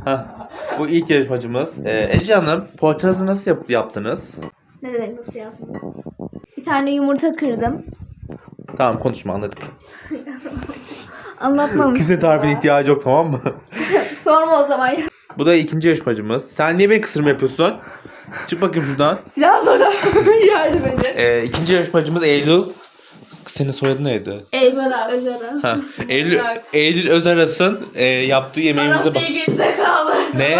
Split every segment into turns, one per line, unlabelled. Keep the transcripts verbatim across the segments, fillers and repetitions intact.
Ha, bu ilk yarışmacımız. Ee, Ece Hanım, poğaçanızı nasıl yap yaptınız?
Ne demek nasıl yaptınız? Bir tane yumurta kırdım.
Tamam, konuşma, anladık.
Anlatmamıştım.
Kimse tarifine ihtiyacı yok, tamam mı?
Sorma o zaman ya.
Bu da ikinci yarışmacımız. Sen niye beni kısırma yapıyorsun? Çık bakayım şuradan.
Silah bana yardım edin.
Ee, ikinci yarışmacımız Eylül. Senin soyadın neydi?
Eylül Özaras.
Ha, Eylül, Eylül Özaras'ın e, yaptığı yemeğimize bak.
Arası gerizekalı.
Ne?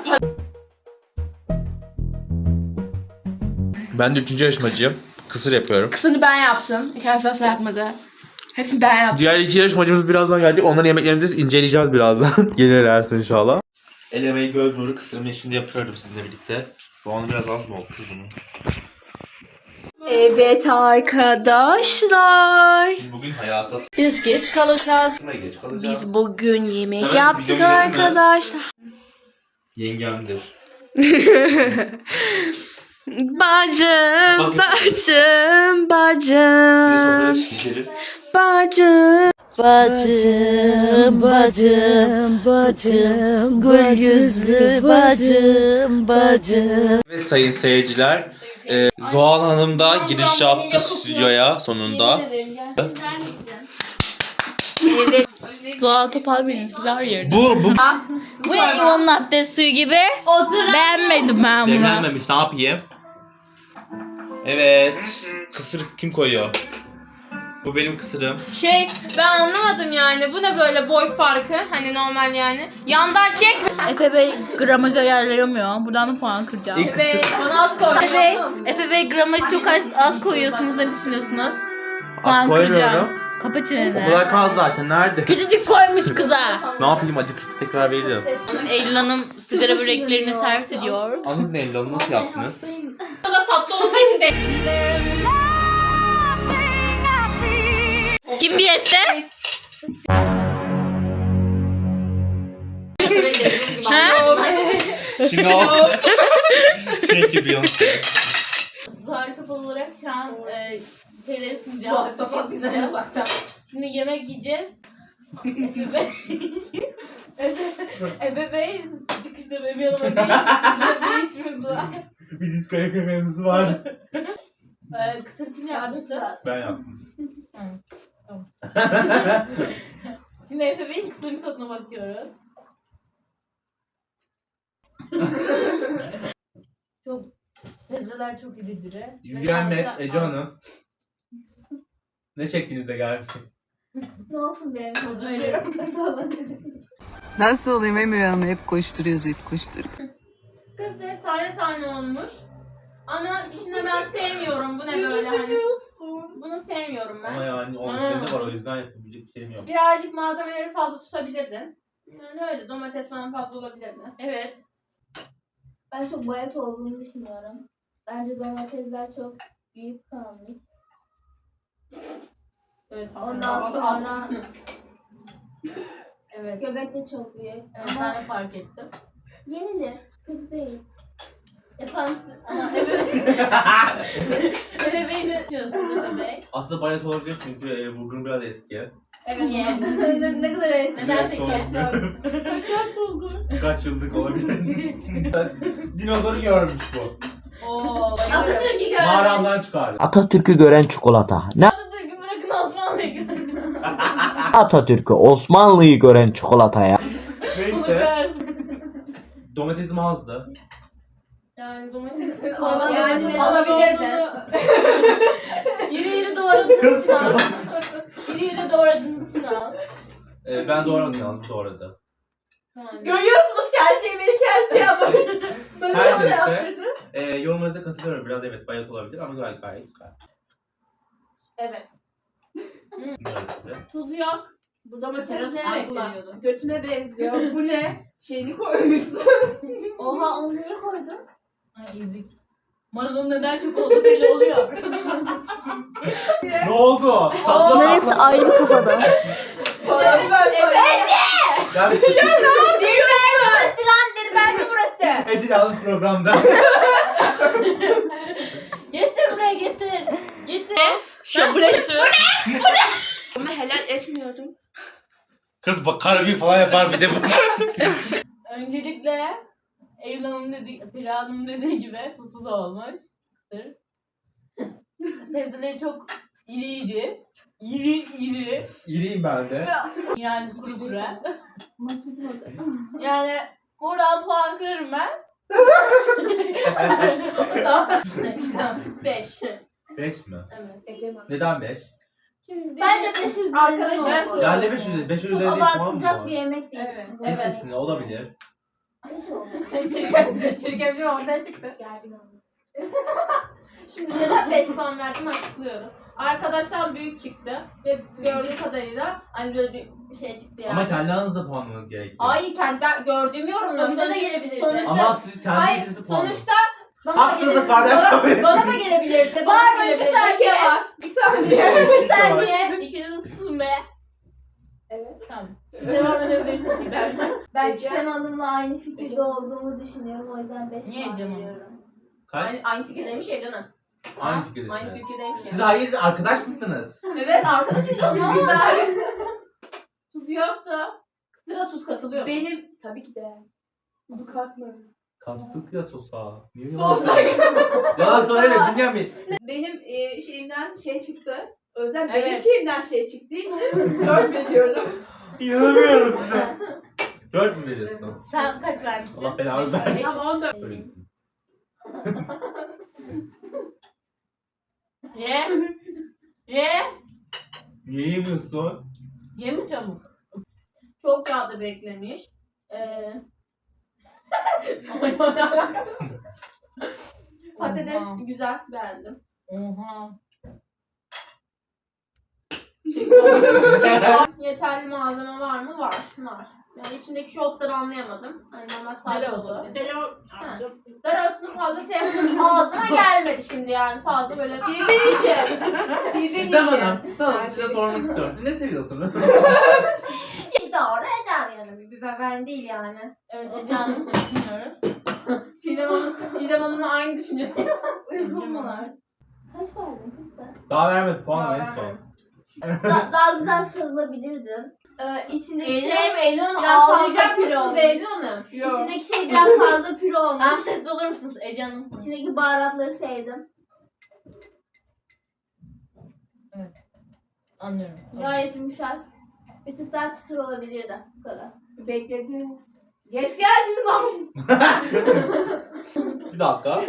Ben de üçüncü yarışmacıyım. Kısır yapıyorum.
Kısını ben yaptım. Kendisi asla yapmadı. Hepsini ben yaptım.
Diğer iki yarışmacımız birazdan gelecek. Onların yemeklerini de inceleyeceğiz birazdan. Gelirlerse inşallah. El emeği göz nuru kısırımı şimdi yapıyorum sizinle birlikte. Soğanı biraz az mı oldu bunu?
Evet arkadaşlar.
Biz bugün hayata...
Biz geç kalacağız.
Kime geç kalacağız?
Biz bugün yemek
Hemen
yaptık
videomu izledin mi?
arkadaşlar.
Yengemdir.
Bacım,
Bakın.
bacım,
Bir de sofraya
bacım,
çekilir.
bacım.
Bacım, bacım, bacım, gül yüzlü bacım, bacım.
Evet sayın seyirciler. E, Zuhal Hanım da giriş yaptı stüdyoya sonunda.
Evet.
Doğal Topal benim sizler yerine.
Bu, bu
Bu limon latte suyu gibi.
Otur.
Beğenmedim ben bunu.
demlenmemiş, ne yapayım? Evet. Kısır kim koyuyor? Bu benim kısırım.
Şey ben anlamadım yani. Bu ne böyle boy farkı? Hani normal yani. Yandan çek. Efe Bey gramaj ayarlayamıyor. Buradan da puan kıracağım.
İlk kısır
Bana az koy. Efe Bey, Efe Bey gramajı çok az, az koyuyorsunuz. Ne düşünüyorsunuz?
az koymuyorum.
Kapa
O
çeneni.
kadar kaldı zaten. Nerede?
Küçücük koymuş kıza.
Ne yapayım, acıkırsa tekrar veririm.
Eylül Hanım sigara böreklerini servis ediyor.
Anladın Eylül Hanım, nasıl yaptınız?
Da tatlı olduğu için de. Kim diyette? Ha?
Şimdi o... Thank you Beyoncé.
Zuhal Topal olarak şu an e, şeyleri sunacağız. Zuhal Topal güzel uzaktan. Şimdi yemek yiyeceğiz. Efe Bey. Efe, Efe Bey çıkışta benim yanıma gelin. Sizinle bir işimiz var.
Bir diskalifiye mevzusu var.
E, kısır kim yapmıştı?
Ben yaptım.
Şimdi Efe Bey'in kısırın tadına bakıyoruz. Çok sebzeler çok iri diri.
Yücelme
Mesela-
Ece Hanım. Ne çektiniz de geldi?
Ne olsun benim
Öyle.
Nasıl olayım Emir Hanım? Hep koşturuyoruz, hep koşturuyoruz.
Kısır tane tane olmuş. Ama içine ben sevmiyorum. Bu ne böyle hani. Bunu sevmiyorum ben.
Ama yani onun
Ha.
içinde var, o yüzden yapabilecek bir şeyim yok.
Birazcık malzemeleri fazla tutabilirdin. Yani öyle domates falan fazla olabilirdi. Evet.
Ben çok bayat olduğunu düşünüyorum. Bence domatesler çok büyük kalmış.
Evet.
Ondan sonra
Evet.
göbek de çok büyük.
Evet
Ama
ben de fark ettim.
yenilir. Kötü değil.
Efendim siz... Ama Efe Efe Bey ne diyorsunuz Efe Bey?
Aslında bayat olabilir çünkü e, bulgurum biraz eski.
Evet. Niye?
ne, ne kadar eski.
Neden peki?
Çok bulgur.
Kaç yıllık olabilir. Dinozoru görmüş bu.
Ooo.
Atatürk'ü görmüş.
Mağaramdan çıkardı.
Atatürk'ü gören çikolata. Ne
Atatürk'ü bırakın Osmanlı'yı görün.
Atatürk'ü? Osmanlı'yı gören çikolata ya.
Bunu
Neyse.
görsün.
Domatesim azdı.
Yani domatesi
Ama
yani
yani
alabilirdin. İri iri doğradığınız için al. İri iri doğradığınız için al.
Ee, ben doğradım yalnız, doğradı.
Yani.
Görüyorsunuz kendi yemeğini kendi yapmış. Ben de
Her
onu
neyse.
yaptırdım.
Ee, yorumlarınıza katılıyorum. Biraz evet bayat olabilir ama gayet gayet güzel.
Evet.
Bilmiyorum size.
Tuzu yok. Bu domates
Serhat
ne?
Ay kullanıyordu.
Götüme benziyor. Bu ne? Şeyini koymuşsun. Oha onu niye koydun?
Ay ezik. Marulun neden çok oldu belli oluyor.
Ne oldu?
Bunların hepsi ayrı bir kafada.
Bana bir böyle.
Ben bir
Değil ben burası lan dedi ben de burası.
Ece yalnız programda.
Getir buraya getir. Getir.
Şöyle
Götür.
Ama helal etmiyordum.
Kız bak karabiyi falan yapar bir de bu.
Öncelikle Eylül Hanım dediği, Peri Hanım dediği gibi tuzsuz olmuş. Kısır. Sebzeleri çok iri iri. İri iri.
İriyim ben de.
Yani kuru kuru.
Makyajı bakın.
Yani buradan puan kırarım ben. Tamam. Beş.
beş mi?
Evet.
Eceman.
Neden beş?
Şimdi
Bence beş üzerinden
Arkadaşlar-
oldu.
Yani beş üzeri, beş
Çok
üzeri değil puan mı
abartılacak
var?
bir yemek değil.
Evet.
Kesin olabilir.
Beş oldu.
Çirkin, çirkin bir ortaya çıktı.
Gergin oldu.
Şimdi neden beş puan verdim açıklıyorum. Arkadaştan büyük çıktı ve gördüğüm kadarıyla hani böyle bir şey çıktı yani.
Ama kendi aranızda puanlamanız gerekiyor.
Ay kendi ben gördüğüm yorumları.
Bize de
Sonuç-
gelebilirdi.
Sonuçta,
Ama siz
hayır
kendinizi puanlayın.
sonuçta bana da
Haksızlık var,
gelebilirdi.
ben kabul
Bana,
etmiyorum.
bana da gelebilirdi. Bana
Var
da
böyle bir
gelebilirdi.
saniye var.
Bir saniye.
Bir
Bir saniye. İkiniz susun be.
Evet.
Tamam. Devam edebilirsin cidden.
Ben Çiğdem Hanım'la aynı fikirde olduğumu düşünüyorum. O yüzden beş
Niye
puan
Ecem Hanım?
veriyorum.
Kaç?
Aynı, aynı fikirdeymiş ya canım.
Aynı
Ha?
fikirdesiniz.
Aynı fikirdeymiş ya.
Siz hayır arkadaş mısınız?
Evet arkadaşım ama
Güzel.
tuz yoktu. Sıra tuz katılıyor.
Benim tabii ki de. Bu katmadım.
Kattık ya sosa. Niye
Sos.
Yalan söyleme Bünyamin.
Benim e, şeyimden şey çıktı. Özlem
Evet.
benim şeyimden şey çıktığı için dört veriyorum.
İnanamıyorum size. Dört mü veriyorsun?
Sen kaç vermiştin?
Allah belanı
Beş
versin.
verdim.
Ama on dört.
Öyle gittim.
Ye. Ye.
Niye yemiyorsun?
Ye mi çabuk? Çok yağda beklemiş. Ee... Patates
Oha.
güzel, beğendim.
Oha.
Yeterli malzeme var mı? Var. Var. Yani içindeki şotları anlayamadım. Hani normal sade
Dereotu.
olabilir. Dereotu. Ha. Dereotunu fazla sevmedim. Ağzıma gelmedi şimdi yani. Fazla böyle
Fizin
Sistem Hanım, Sistem Hanım size sormak istiyorum. Siz ne seviyorsunuz?
idare eder yani. Bir biber ben değil yani. Evet Ece Hanım düşünüyorum. Çiğdem Hanım, Çiğdem Hanım'la aynı düşünüyorum.
Uygun mu var? Kaç verdin kız sen?
Daha vermedi puan en
Daha
son.
vermedim.
Da- daha güzel sarılabilirdim. Ee, içindeki
Eylül
şey,
Hanım, Eylül Hanım
biraz fazla
ağlayacak
püre
mısınız
olmuş.
Eylül Hanım?
içindeki şey biraz fazla püre olmuş.
Tamam sessiz olur musunuz Ece Hanım?
İçindeki baharatları sevdim.
Anlıyorum.
Gayet yumuşak. Bir tık daha çıtır olabilirdi. Bu kadar.
Bekledin. Geç geldiniz ama.
Bir dakika.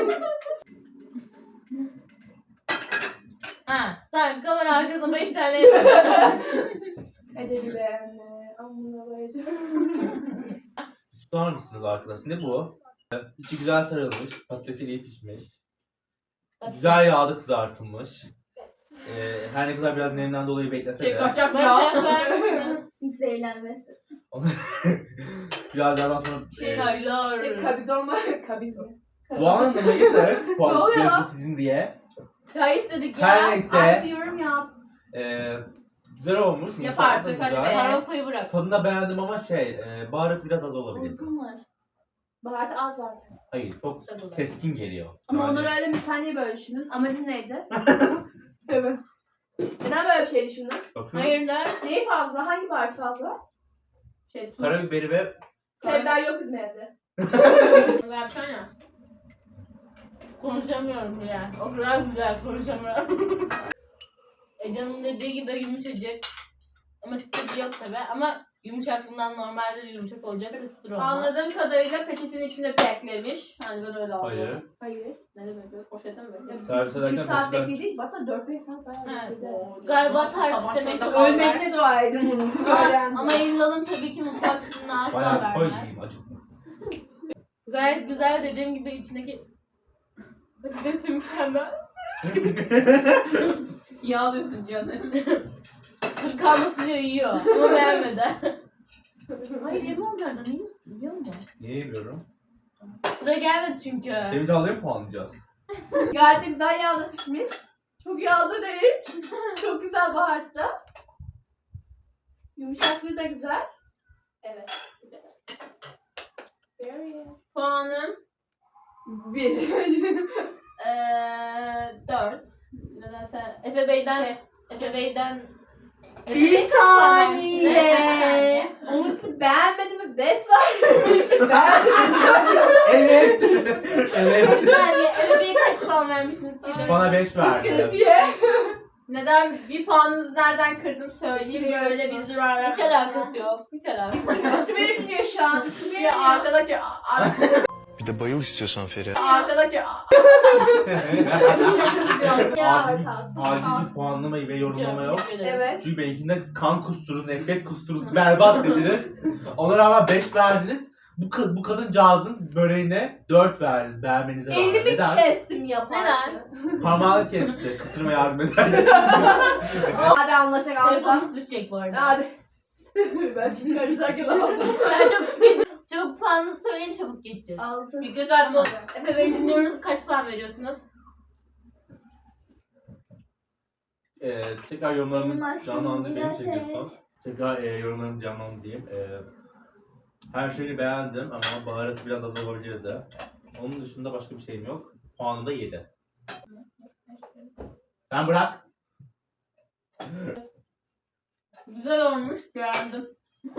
Ha, sen kamera arkasına beş tane yapıyorsun.
Edebi beğenme. Amına koyacağım.
Tutar mısınız arkadaş? Ne bu? İçi güzel sarılmış. Patatesi iyi pişmiş. Güzel yağda kızartılmış. Ee, her ne kadar biraz nemden dolayı beklese
Şey
de
kaçak ya. vermişsiniz.
Zehirlenmesi.
biraz daha sonra
Şey
e,
çaylar.
İşte kabizon var. Kabizon.
Doğan Hanım'a getir.
Ne
Puan
oluyor?
yarısı sizin diye.
Çay istedik ya.
Her
Ay
neyse.
bir yorum yap.
E, güzel olmuş.
Yap
yumuşak da
artık hadi
güzel.
be. Parokayı bırak.
Tadını da beğendim ama şey, e, baharatı biraz az olabilir.
Uygun var. Baharatı az zaten.
Hayır, çok keskin geliyor.
Ama
Yani-
onu öyle bir saniye böyle düşünün. Amacın neydi? Evet. Neden böyle bir şey düşündün?
Bakıyorum.
Hayırlar.
Neyi fazla? Hangi baharat fazla?
Şey tuz.
Karabiberi ve
Karabiber yok bizim evde.
Versene. Konuşamıyorum yani. O kadar güzel konuşamıyorum. Ece'nin dediği gibi yumuşacık. Ama çıtır yok tabi. Ama yumuşaklığından normalde de yumuşak olacak da çıtır olmaz. Anladığım kadarıyla peçetin içinde beklemiş. Hani ben öyle aldım.
hayır.
Hayır.
Ne demek böyle? Poşete mi beklemiş?
Servis ederken
üç saat
peşinden-
bekledik. Hatta dört beş saat bayağı
He.
bekledi.
Galiba tarif istemeye
Ölmediğine
çalışıyorlar.
dua edin bunu.
Ama, ama Eylül Hanım tabii ki mutfak sınırına asla
Bayağı koy
vermez.
diyeyim acık.
Gayet güzel dediğim gibi içindeki patates mükemmel. Yağlıyorsun canım. Sır kalmasın diyor yiyor ama beğenmedi. Hayır yeme onlardan iyi misin biliyor musun?
Niye yemiyorum?
Sıra gelmedi çünkü.
Sevinç alayım mı puanlayacağız?
Gayet de güzel yağda pişmiş. Çok yağda değil. Çok güzel baharatlı. Yumuşaklığı da güzel. Evet. Very.
Puanım
Bir.
eee dört. Nedense Efe Bey'den şey, Efe Bey'den Efe
Bir
Bey kaç puan vermişti?
saniye. Onu siz beğenmedi mi?
Des var.
Evet. Evet.
Bir saniye. Ebeveyn'e kaç puan vermişsiniz Çiğdem?
Bana beş verdi.
Neden bir puanınızı nereden kırdım söyleyeyim, böyle bir zürara. Hiç alakası yok. Hiç alakası yok.
Üstü benim diyor şu an.
Ya arkadaş ar-
Bir de bayıl istiyorsan Feriha.
arkadaş
Ya
Acil,
orta.
acil bir puanlama ve yorumlama yok.
Evet.
Çünkü benimkinde kan kusturuz, nefret kusturuz, berbat dediniz. Ona rağmen beş verdiniz. Bu, kız, bu kadıncağızın böreğine dört verdiniz beğenmenize rağmen.
elimi
Neden?
kestim yaparken.
Neden?
Parmağını kesti. Kısırma yardım eder.
Hadi anlaşak
Telefonunuz düşecek bu arada.
Hadi. Ben şimdi karışarken aldım.
Ben çok sıkıntı. Çabuk puanınızı söyleyin, çabuk geçeceğiz.
Altı.
Bir göz atma. Efe Bey dinliyoruz. Kaç puan veriyorsunuz?
Ee, tekrar
Benim
yorumlarımı
aşkım
canlandı. Beni
biraz
çekiyorsun.
evet.
Tekrar e, yorumlarımı canlandı diyeyim. E, her şeyi beğendim ama baharatı biraz az olabilirdi. Onun dışında başka bir şeyim yok. Puanım da yedi. Sen bırak.
Güzel olmuş. Beğendim.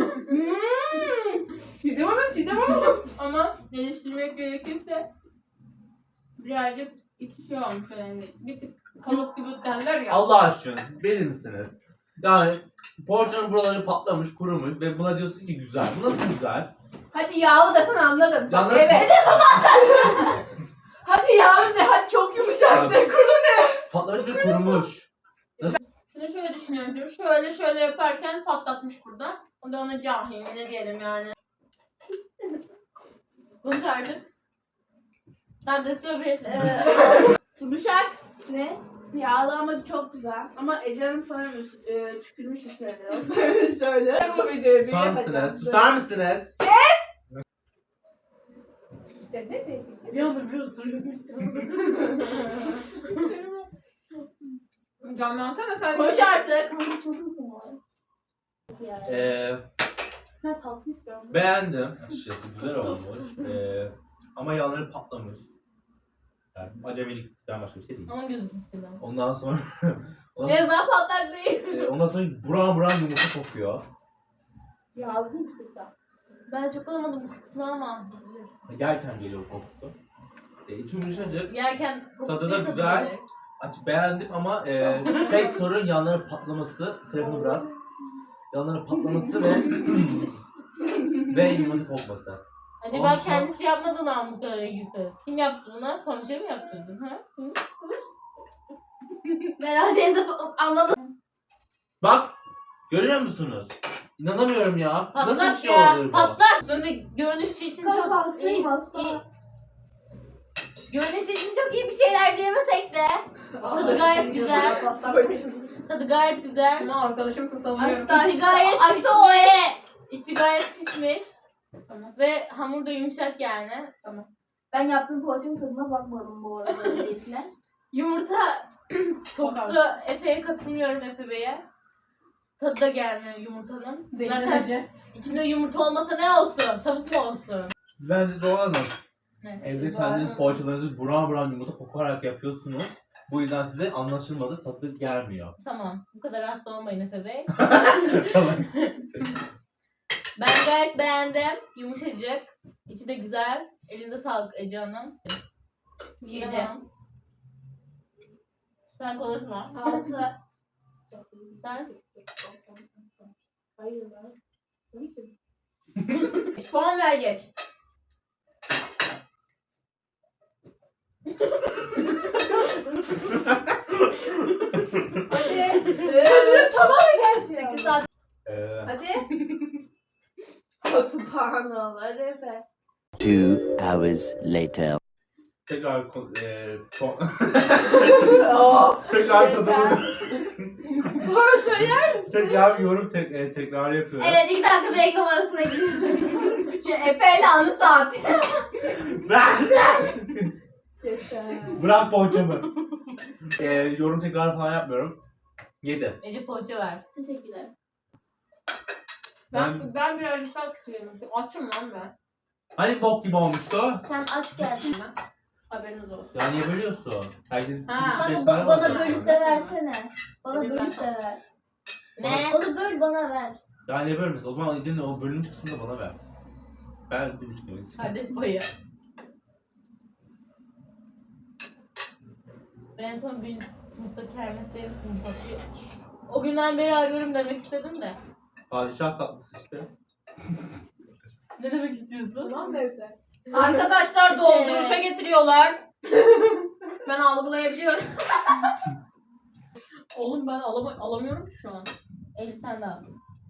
Cidem Hanım, Cidem Hanım.
Ama geliştirmek gerekirse birazcık iki şey olmuş yani. Bir tık kalıp gibi derler ya.
Allah aşkına verir misiniz? Yani poğaçanın buraları patlamış, kurumuş ve buna diyorsun ki güzel. Bu nasıl güzel?
Hadi yağlı desen anlarım.
Canları
Evet. Hadi yağlı de, hadi çok yumuşak de, kuru de.
Patlamış ve kurumuş.
Şunu şöyle düşünüyorum diyorum. Şöyle şöyle yaparken patlatmış burada. O da ona cahil ne diyelim yani. Konuş artık. Sen de söyle.
Yumuşak. Ne? Yağlı ama çok güzel. Ama Ece Hanım sanırım e, tükürmüş üstlerine. Şöyle. Bu videoyu bir
Susar
yapacağım.
mısınız? Susar mısınız?
Evet.
Bir anda bir ısırıyormuş. Canlansana sen.
Konuş artık. Kanka çok uykum var.
Ee,
Ben tatlı istiyorum.
beğendim. Açıkçası güzel olmuş. Ee, ama yanları patlamış. Yani acemilikten başka bir şey değil.
Ama gözüm içinden.
Ondan sonra ondan,
En azından patlak değil.
e, ondan sonra buram buram yumurta kokuyor.
Yağlı bir tık da.
Ben çok alamadım bu kokusunu ama.
Yerken geliyor kokusu. E, içi yumuşacık.
Yerken kokusu
Tadı da
değil, tadı
güzel.
gelir.
Aç, beğendim ama e, tek sorun yanların patlaması. Telefonu bırak. Yanların patlaması ve ve yumurta kokması.
Acaba
Ondan sonra-
kendisi yapmadı mı bu kadar ilgisi? Kim yaptı bunu? Komşuya mı yaptırdın ha? Hı?
Meral teyze anladı.
Bak görüyor musunuz? İnanamıyorum ya. Nasıl bir
Patlak
şey
ya.
olur bu?
Patlak. Böyle görünüş için
Kanka
çok
hastayım
iyi,
hasta.
iyi. Görünüş için çok iyi bir şeyler diyemesek de. Tadı gayet güzel. Tadı gayet güzel.
Ama arkadaşımsın savunuyorum.
İçi gayet
Açtı
pişmiş.
o e.
İçi gayet pişmiş. Ve hamur da yumuşak yani. Tamam.
Ben yaptığım poğaçanın tadına bakmadım bu arada öncelikle.
Yumurta kokusu Efe'ye katılmıyorum Efe Bey'e. Tadı da gelmiyor yumurtanın. Zaten içinde yumurta olmasa ne olsun? Tavuk mu olsun?
Bence Zoran Hanım.
Ne?
Evde kendiniz poğaçalarınızı buram buram yumurta kokarak yapıyorsunuz. Bu yüzden size anlaşılmadı, tadı gelmiyor.
Tamam. Bu kadar hasta olmayın Efe Bey.
Tamam.
Ben gayet beğendim. Yumuşacık. İçi de güzel. Elinize sağlık Ece Hanım.
Yedi.
Tamam. Sen konuşma.
Altı.
Sen
Hayır lan. Tabii ki. Puan ver geç. Hadi. Çocuğun tamamen gelsin. sekiz saat.
Ee,
Hadi. Subhanallah. Hadi Efe.
Two hours later.
tekrar ko- e, ko-
Of.
tekrar tadımı
Doğru söyler misin?
tekrar yorum tek, e, tekrar yapıyorum.
Evet, iki dakika bir reklam arasına gidiyorum. Efe ile anı saat.
Bırak!
Yeter.
Bırak poğaçamı. e, yorum tekrar falan yapmıyorum. Yedi.
Ece poğaça ver.
Teşekkürler.
Ben,
Ben, ben birazcık daha kısıyorum. Açım lan ben.
hani bok gibi olmuştu?
Sen aç geldin.
Haberiniz olsun.
Ya niye bölüyorsun? Herkes bir
Ha.
kişi beş
Bana,
tane
ba-
var
bana
zaten.
bölüp de versene. Bana
Evet,
bölüp de
ben-
ver.
Ne?
Onu böl bana ver.
Ya niye bölmesin? O zaman Ece'nin o bölünmüş kısmını da bana ver. Ben bir buçuk kilo istiyorum.
Kardeş payı. Ben en son birinci sınıfta kermesteyim sınıf bakıyor. O günden beri arıyorum demek istedim de.
Padişah tatlısı işte.
Ne demek istiyorsun?
Tamam Mevze. Arkadaşlar dolduruşa getiriyorlar. Ben algılayabiliyorum.
Oğlum ben alama alamıyorum ki şu an. Elif sen de al.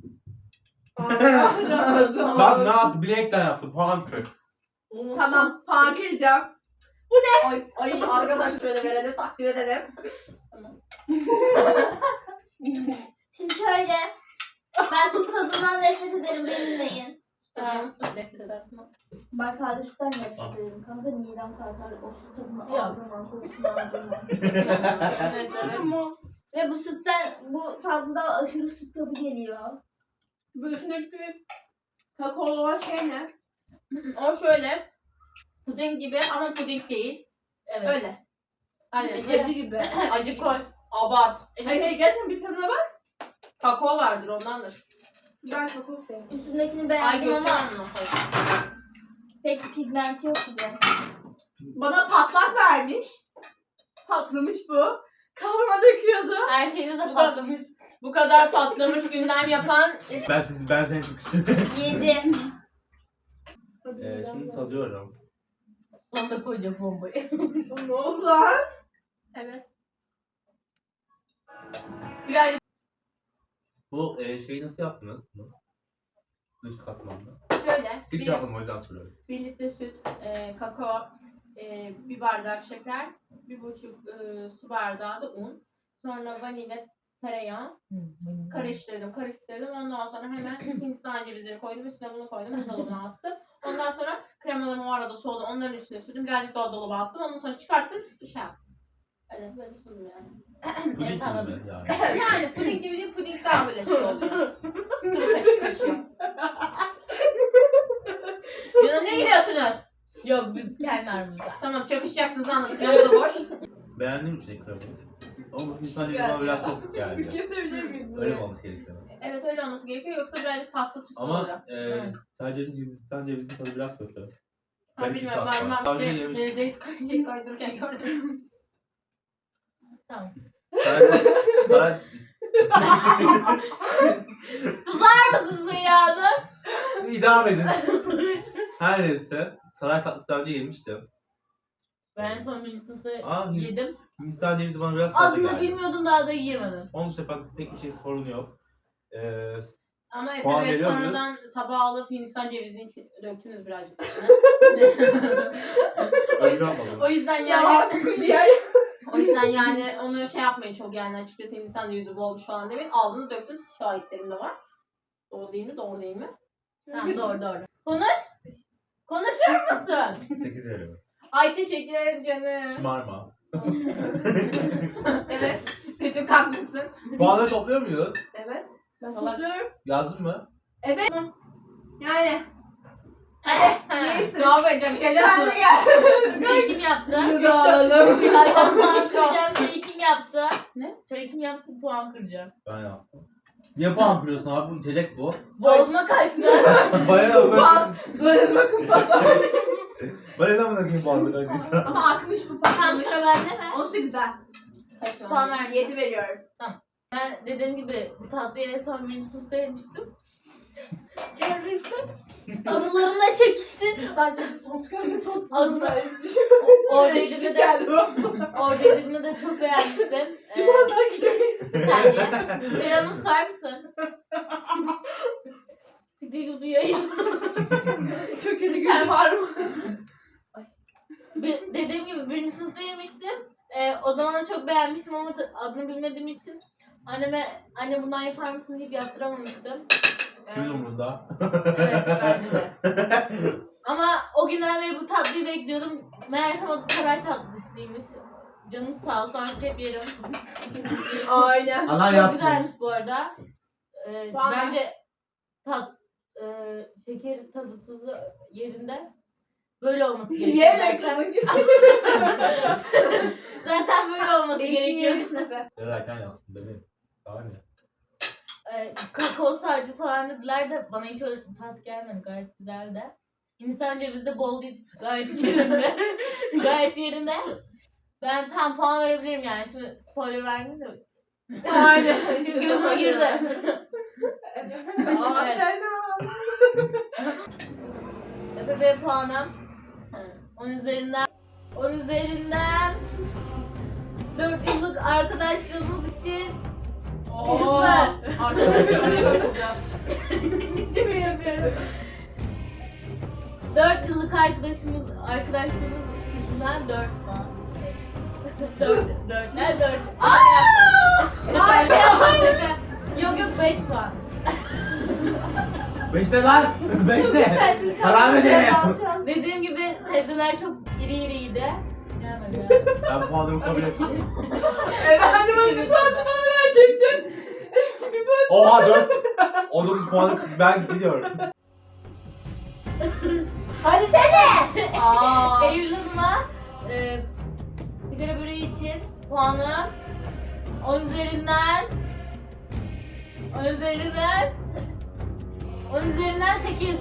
Bak ne yaptı? Bilekten yaptı. Puan kır.
Tamam, puan kıracağım. Bu ne? Ay, ay arkadaş şöyle verelim, takdim edelim.
Şimdi şöyle. Ben süt tadından nefret ederim, beni dinleyin.
Sen nasıl nefret edersin?
Ben sade sütten nefret ederim. Kanka midem kalkar, o süt tadını
Ya.
algılamam, kokusunu algılamam.
Neyse evet.
Ve bu sütten, bu tadından aşırı süt tadı geliyor.
Bu üstündeki kakaolu olan şey ne? O şöyle, puding gibi ama puding değil.
Evet.
Öyle.
Aynen.
Acı, acı gibi.
Acı koy. Abart.
Hayır hayır, gerçekten bir tadına bak.
Kakao vardır ondandır.
Ben kakao seviyorum.
Üstündekini
Ay
beğendim
götür
ama
onu.
pek pigmenti yok gibi.
Bana patlak vermiş. Patlamış bu. Kavurma döküyordu.
Her şeyiniz de
Bu
patlamış.
Bu kadar patlamış gündem yapan...
Ben sizi ben seni sıkıştırdım.
Yedi.
ee, şimdi tadıyorum.
Sonunda koyacağım bombayı.
Ne oldu lan? Evet. Birazcık
Bu e, şeyi nasıl yaptınız? Bunu? Dış katmanlı.
şöyle.
Hiç
Bir,
yapmadım o yüzden soruyorum.
bir litre süt, e, kakao, e, bir bardak şeker, bir buçuk e, su bardağı da un. Sonra vanilya, tereyağı karıştırdım, karıştırdım. Ondan sonra hemen Hindistan cevizleri koydum, üstüne bunu koydum, buzdolabına attım. Ondan sonra kremalarım o arada soğudu, onların üstüne sürdüm, birazcık daha dolaba attım. Ondan sonra çıkarttım, şey yaptım. Evet, böyle sundum yani.
Puding
Evet,
gibi
anladım.
mi yani?
Yani puding gibi değil, puding daha böyle şey oluyor. Sıvı kaçıp kaçıyor. Canım ne gidiyorsunuz?
Yok biz kendi aramızda.
Tamam, çakışacaksınız anladık. Yanı da boş.
Beğendim içine kremayı. Ama bu Hindistan cevizi bana biraz çok geldi.
Kesebilir miyiz
Öyle mi olması gerekiyor?
Evet, öyle olması gerekiyor, yoksa birazcık tatlı tuzlu oluyor.
Ama e, sadece Hindistan cevizinin tadı biraz kötü.
Ha,
Garip bir
bilmiyorum,
tat
ben
var.
ben
Daha önce
şey,
yemiş-
e, Reis kay- şey kaydırırken gördüm.
Tamam.
Saray, saray,
Susar mısınız Feyra Hanım?
idam edin. Her neyse. Saray tatlısı daha önce yemiştim.
Ben en son birinci sınıfta
Aa, Hindistan,
yedim.
Hindistan cevizi bana biraz fazla
Aslında
geldi.
bilmiyordum daha da yiyemedim.
Onun için bak pek bir şey sorun yok. Ee,
Ama Efe
Puan
Bey
veriyor
sonradan tabağı alıp Hindistan cevizini için döktünüz birazcık. o,
öyle
yüzden,
yapmadım.
o yüzden yani o yüzden yani onu şey yapmayın çok yani, açıkçası Hindistan cevizi bu olmuş falan demeyin. Aldınız döktünüz, şahitlerim de var. Doğru değil mi? Doğru değil mi?
Tamam doğru doğru. Konuş. Konuşur musun?
sekiz veriyorum.
Ay teşekkür ederim canım.
Şımarma.
Evet. Kötü kalplısın.
Puanları topluyor muyuz?
Evet. Ben
Salak.
topluyorum.
Yazdın mı?
Evet. Yani.
Hadi.
Neyse.
Ne yapacağım?
Sen
Şaka
de gel.
Çayı kim yaptı?
Bunu alalım.
Ay puan kıracağım. Çayı kim yaptı? Ne? Çayı kim yaptı? Puan kıracağım.
Ben yaptım. Niye puan kırıyorsun abi? Bu içecek bu.
Bozma kaçtı.
Bayağı
Puan. Böyle bakın bana.
Ben neden buna koyayım puanları ödeyeceğim?
Ama akmış bu puan.
Tam sıra bende mi?
Olsa güzel.
Kaç
Puan ver. yedi veriyorum.
Ben dediğim gibi bu tatlıyı en son birinci sınıfta yemiştim. Kermeste.
Anılarımla çekiştin.
Sadece son
Kanka son
adını orada yediğimde de orada yediğimde de çok beğenmiştim. Ee, bir saniye. Bir hanım susar mısın? Siktir gibi yayın.
Çok kötü gün var mı?
Bir- Dediğim gibi birinci sınıfta yemiştim. Ee, o zaman da çok beğenmiştim ama ta- adını bilmediğim için anneme anne bundan yapar mısın deyip yaptıramamıştım.
Kimin umurunda?
Evet bence de. Ama o günden beri bu tatlıyı bekliyordum. Meğersem adı saray tatlısıymış. Canınız sağ olsun artık hep yerim.
Aynen.
Ana
Çok
yapsın.
güzelmiş bu arada. Ee,
Puan ver.
bence tat, e, şeker tadı tuzu yerinde. Böyle olması gerekiyor.
Yemek
zaten.
tabii ki.
Zaten böyle olması gerekiyor.
Gerekiyor.
Yazarken yazsın bebeğim. Daha ne?
Ee, kakao sadece falan dediler de bana hiç öyle tat gelmedi. Gayet güzeldi. Hindistan cevizi de bol değil. Gayet yerinde. Gayet yerinde. Ben tam puan verebilirim yani. Şimdi spoiler vermeyeyim de.
Aynen.
Şimdi gözüme girdi.
Aferin.
Efe Bey puanım. on üzerinden. on üzerinden. dört yıllık arkadaşlığımız için
Oo. Arkadaşlar ne yapacağım?
şaka yapıyorum. dört yıllık arkadaşımız arkadaşlığımız yüzünden dört puan. dört dört ne dört? Hayır şaka. Yok yok beş puan.
Beşte lan. Beşte. Haram edelim.
Dediğim gibi sebzeler çok iri iriydi. Gelmedi ya.
Ben puanımı kabul ettim.
Efendim bir puan bana verecektin. Bir puan.
Oha dört. on dokuz puanı ben gidiyorum.
Hadi sene.
Aa.
Eylül Hanım'a e, sigara böreği için puanı on üzerinden on üzerinden on üzerinden sekiz.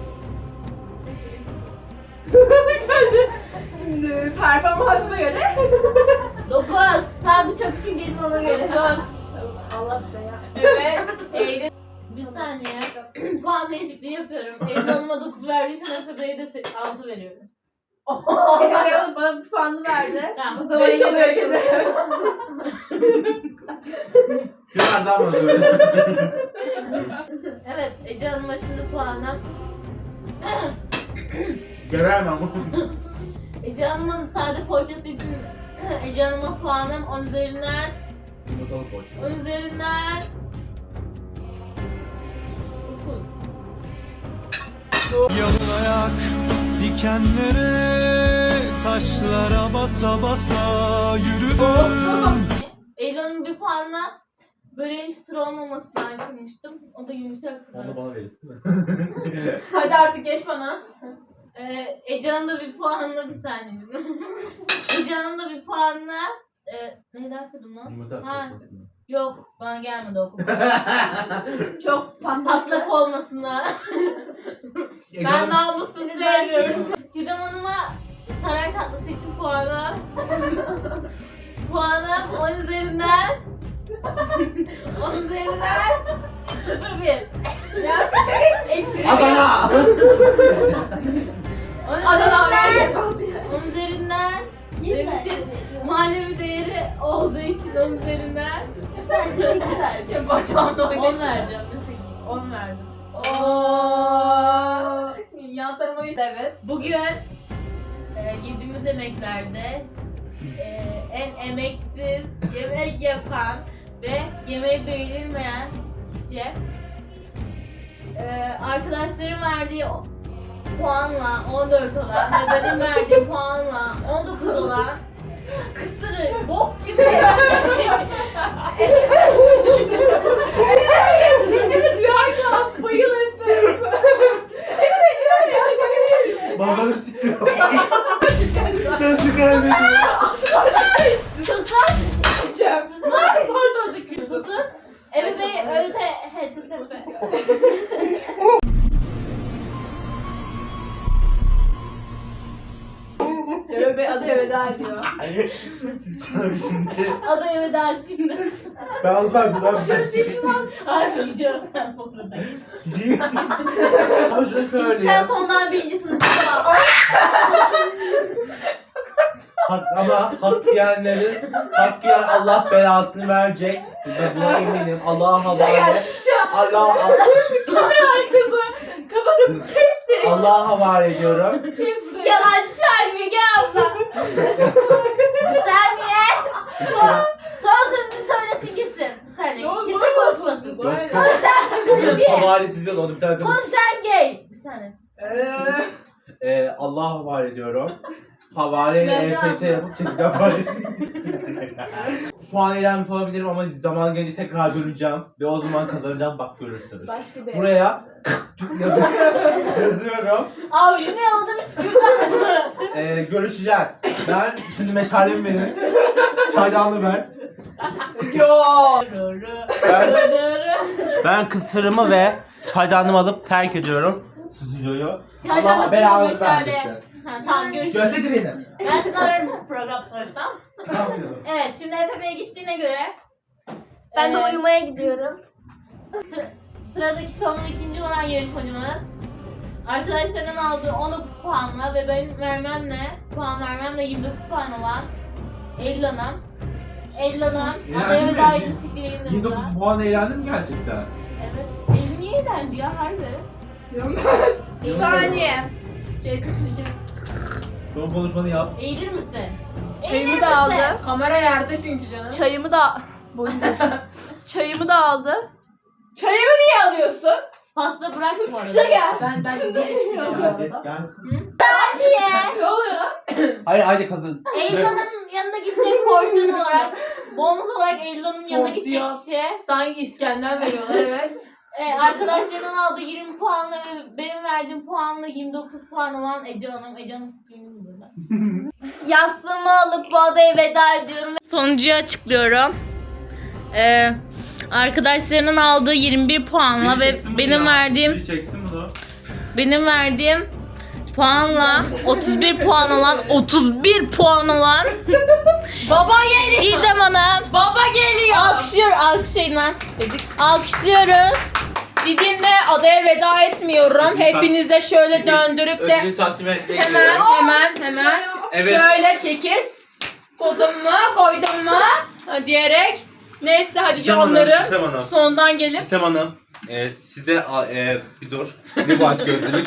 Şimdi performansına göre.
dokuz. Tam bir çok işin gelin ona göre. Allah be ya.
Evet. Eylül. Bir saniye. Puan değişikliği yapıyorum. Eylül Hanım'a dokuz verdiysen Efe Bey'e de se- altı veriyorum.
Efe Bey bana bir puanını verdi.
Tamam.
O zaman
Beş
yine
oluyor
beş
şimdi.
Biraz daha mı böyle?
Evet. Ece Hanım'a şimdi puanım.
Göremem.
Ece Hanım'ın sade poğaçası için Ece Hanım'a puanım on üzerinden on üzerinden dokuz.
Yalın ayak dikenlere, taşlara basa basa yürüdüm.
Eylül Hanım'ın bir puanla böreğin çıtır olmamasından kırmıştım. O da yumuşak.
Onu bana verirsin değil mi?
Hadi artık geç bana.
Ee, Ece Hanım da bir puanla bir saniye. Ece Hanım da bir puanla e, neydi arkadaşım lan?
Yumurta
Ha,
kırmasın.
yok bana gelmedi o kadar.
Çok patlak.
Patlak olmasınlar. Ben namussuz
Siz her
sevmiyorum. Çiğdem Hanım'a saray tatlısı için puanı. Puanım on üzerinden on üzerinden sıfır bir.
Eksi.
Adana.
on
Adana
üzerinden,
abi.
on üzerinden
Yirmi.
benim için manevi değeri olduğu için on üzerinden
Bence sekiz verdim.
Bacağımda
on
oynasın.
vereceğim. on verdim.
Ooo. Yan tarafa git. Evet.
Bugün e, yediğimiz yemeklerde e, en emeksiz yemek yapan ve yemeği beğenilmeyen kişi e, arkadaşlarım verdiği puanla on dört olan ve benim verdiğim puanla on dokuz olan kısırı bok gibi.
Evet duyar ki bayıl Efe.
Babanı siktir. Sen sigara ne?
Susun.
Cem.
Susun. Pardon. Susun. Efe Bey öyle te... He, te, te, te.
Efe Bey adaya veda ediyor.
Sıçarım şimdi.
Adaya veda şimdi.
Ben az ben buradan
Hadi gidiyorsun sen bu arada.
gideyim. Ama şunu
Sen
söyleyeyim.
sondan birinci sınıfta.
Hak, ama hak yiyenlerin, hak yiyen Allah belasını verecek. Ve buna eminim. Allah'a
Şişe geldi
havale.
şişe.
Allah,
Kızı. Kapatıp kesti.
Allah'a havale ediyorum.
Kesti.
Yalancı halimi gel abla. Bir saniye. Son, son sözünü söylesin gitsin.
Bir saniye.
Ne oldu?
Kimse konuşmasın.
Böyle.
Konuşan bir.
Havalesiz yok. Onu bir tane kız.
Konuşan gay.
Bir saniye.
Eee.
Ee, Allah'a havale ediyorum. Havaleyle
Ben
E F T yapıp çekeceğim parayı. Şu an eğlenmiş olabilirim ama zaman gelince tekrar döneceğim. Ve o zaman kazanacağım, bak görürsünüz.
Başka bir.
Buraya yazı- yazıyorum.
Abi yine yolda bir çıkıyor.
Ee, görüşeceğiz. Ben şimdi meşalemi verin. Çaydanlığı ver.
Yo.
Ben, ben kısırımı ve çaydanlığımı alıp terk ediyorum. stüdyoyu.
Çaydanlık
Allah belanızı
gibi şöyle.
vermesin.
Ha, tamam görüşürüz.
Görsek beni.
Ben sana ararım program sonrasında. Evet şimdi E F B'ye gittiğine göre.
Ben de
e,
uyumaya gidiyorum.
Sıra- Sıradaki son ikinci olan yarışmacımız arkadaşlarının aldığı on dokuz puanla ve benim vermemle puan vermemle yirmi dokuz puan olan Eylül Hanım. Eylül Hanım adaya
Eğlendin
veda
mi?
edildiklerinde
yirmi dokuz puan eğlendin mi gerçekten?
Evet. Eylül niye eğlendi ya harbi?
Bir saniye.
Şey düşün.
Son konuşmanı yap.
Eğilir misin?
Çayımı da aldı.
Kamera yerde çünkü canım.
Çayımı da... Boyun Çayımı da aldı.
Çayımı niye alıyorsun? Pasta bırak bu arada.
Çıkışa gel.
Ben ben geri çıkacağım bu
Gel, geç,
arada.
gel.
Niye?
Ne oluyor lan?
Hayır haydi kazın.
Eylül Hanım'ın yanına gidecek porsiyon olarak, bonus olarak Eylül Hanım'ın yanına gidecek
Porsiyon.
kişi.
Sanki İskender veriyorlar evet.
E, arkadaşlarından aldığı yirmi puanla ve benim verdiğim puanla yirmi dokuz puan olan Ece Hanım. Ece Hanım screen'im burada.
Yastığımı alıp bu adaya veda ediyorum.
Sonuncuyu açıklıyorum. Ee, arkadaşlarının aldığı yirmi bir puanla ve benim verdiğim
Çeksin bunu.
benim verdiğim puanla otuz bir puan olan otuz bir puan olan Baba geliyor. Çiğdem Hanım. Baba geliyor. Alkışlıyor, alkışlayın lan. Alkışlıyoruz. Didim'le adaya veda etmiyorum. Hepinize şöyle döndürüp de
Ödülü takdim etmek
hemen hemen hemen
Evet.
şöyle çekil. Koydum mu, koydum mu diyerek. Neyse hadi
Çiğdem Hanım,
onları
Çiğdem Hanım.
sondan gelip
Sistem Hanım, e, sizde a- e, bir dur. Ne bu aç gözlülük?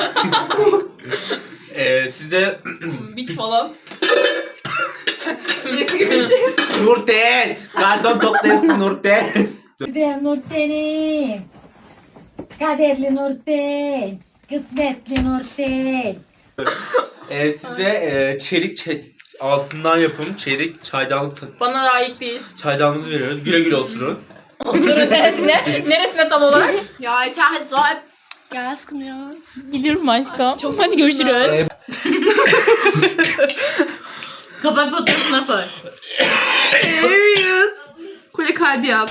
e, sizde
bit falan. Birisi gibi bir şey.
Nurten! Karton toplayasın Nurten.
Güzel Nurten'im. Kaderli Nurten. Kısmetli Nurten.
e, sizde e, çelik çe- altından yapım çelik çaydanlık ta-
Bana layık değil.
çaydanlığınızı veriyoruz. Güle güle oturun.
Oturun neresine? Neresine tam olarak?
Ya içeride sahip.
Ya aşkım ya.
Gidiyorum aşkım. Hadi görüşürüz. Kapak fotoğrafına koy.
Evet. Kule kalbi yap.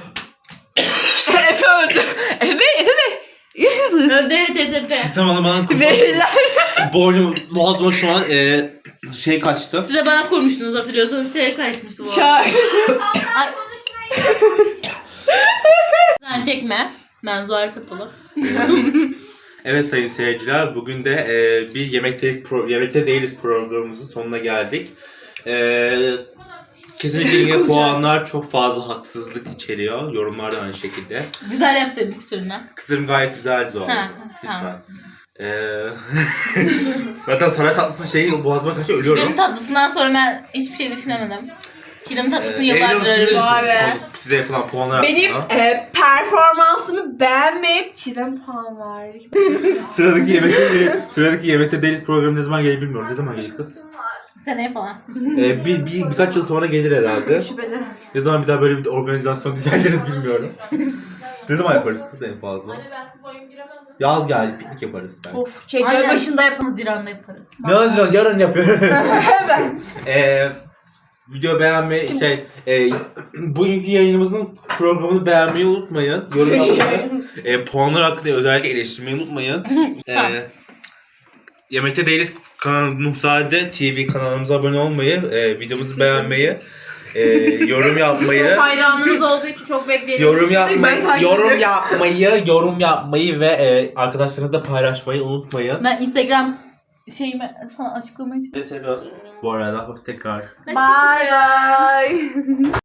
Efe öldü. Efe, Efe de.
Öde tetepe.
Sistem Hanım bana kurban.
Veriler.
Boynum, boğazıma şu an e, şey kaçtı.
Size bana kurmuştunuz hatırlıyorsanız şey kaçmıştı bu.
Çağır.
Ay. Sen çekme. Ben Zuhal Kapalı.
Evet sayın seyirciler, bugün de e, bir yemekteyiz pro- yemekte değiliz programımızın sonuna geldik. E, kesinlikle yine puanlar çok fazla haksızlık içeriyor. Yorumlar da aynı şekilde.
Güzel yapsaydık sırrına.
Kızım gayet güzeldi Zuhal.
Ha,
Lütfen.
tamam.
Ee, zaten saray tatlısı şeyi boğazıma kaçıyor, ölüyorum.
Kilim tatlısından sonra ben hiçbir şey düşünemedim. Kilim tatlısını
Ee,
yıllardır
Eylül, siz ne
arıyorum.
düşünüyorsunuz? Size yapılan puanlar
Benim
hakkında.
e, performansımı beğenmeyip Çiğdem puan verdik.
Sıradaki yemekte değil, sıradaki yemekte değil programı ne zaman gelir bilmiyorum. Ne zaman gelir kız?
Seneye falan.
Ee, bir, bir birkaç yıl sonra gelir herhalde.
Şüpheli.
Ne zaman bir daha böyle bir organizasyon düzenleriz bilmiyorum. Ne zaman yaparız kız en fazla?
Anne ben siz oyun giremezdim.
Yaz geldi, piknik yaparız. belki.
Of çek
Aynen.
başında.
başında yaparız, Haziran'da yaparız.
Ne Haziran? Yarın yapıyoruz. Eee video beğenmeyi şey e, bugünkü yayınımızın programını beğenmeyi unutmayın. Yorum yapmayı. e, puanlar hakkında özellikle eleştirmeyi unutmayın. e, Yemekte Değiliz kanal Nuhzade T V kanalımıza abone olmayı, e, videomuzu beğenmeyi, e, yorum yapmayı,
Hayranımız olduğu için çok bekleyelim.
yorum yapmayı,
Ben takip
yorum
ediyorum.
yapmayı, yorum yapmayı ve e, arkadaşlarınızla paylaşmayı unutmayın.
Ben Instagram şeyimi sana açıklamayı
Sizi seviyoruz. Bu arada tekrar
Bye bye.